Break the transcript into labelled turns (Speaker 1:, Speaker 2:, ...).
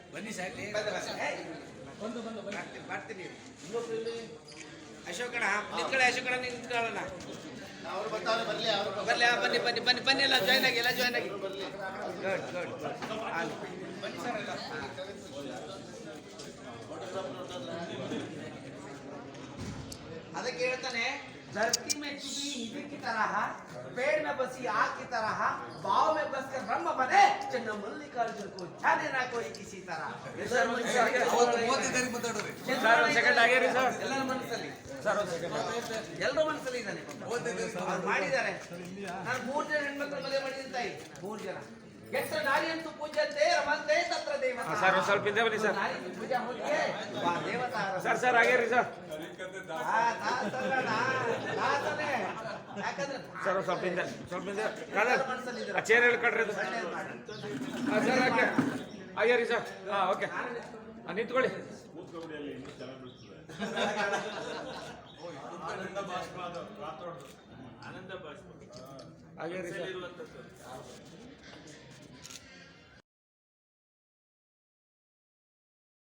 Speaker 1: ಬನ್ನಿ ಸಾಕು
Speaker 2: ಬರ್ತೀನಿ ಅಶೋಕಣ ನಿಂತ್ಕೊಳ್ಳಿ ಅಶೋಕಣ ನಿಂತ್ಕೊಳ್ಳೋಣ ಬರ್ಲಿ ಬನ್ನಿ ಬನ್ನಿ ಬನ್ನಿ ಬನ್ನಿ ಎಲ್ಲ ಜಾಯ್ನ್ ಆಗಿ ಗುಡ್ ಬನ್ನಿ ಸರ್ ಎಲ್ಲ ಅದಕ್ಕೆ ಹೇಳ್ತಾನೆ धरती में चुभी हिंदी की तरह पेड़ में बसी आग की तरह भाव में बसकर ब्रह्म बने चन्न मल्लिकार्जुन को जाने ना कोई किसी तरह ಎಲ್ಲರ ಮನಸ್ಸಲ್ಲಿ ಇದ್ದಾನೆ ಮಾಡಿದ್ದಾರೆ ನಾನು 3 ಜನ ಹೆಣ್ಮಕ್ಳು ಮದುವೆ ಮಾಡಿದ್ದೀನಿ ತಾಯಿ 3 ಜನ ಎಷ್ಟ ನಾರಿಯಂತೂ ಪೂಜ್ಯಂತೆ ರಮಂತೆ ತತ್ರ ದೇವತಾ
Speaker 1: ಸರ್ ಸ್ವಲ್ಪ ಹಿಂದೆ ಬನ್ನಿ ಸರ್
Speaker 2: ಪೂಜಾ ಮುಗಿಯೇ ದೇವತಾ
Speaker 1: ಸರ್ ಹಾಗೇರಿ ಸರ್ ಸರ್ ಸ್ವಲ್ಪ ಹಿಂದೆ ಚೇರ್ ಹೇಳ್ಕೊಡ್ರಿ ಅದು ಸರ್ ಹಾಗೆ ರೀ ಸರ್ ಹಾಂ ಓಕೆ ನಿಂತ್ಕೊಳ್ಳಿ ಹಾಗೆ ರೀ ಸರ್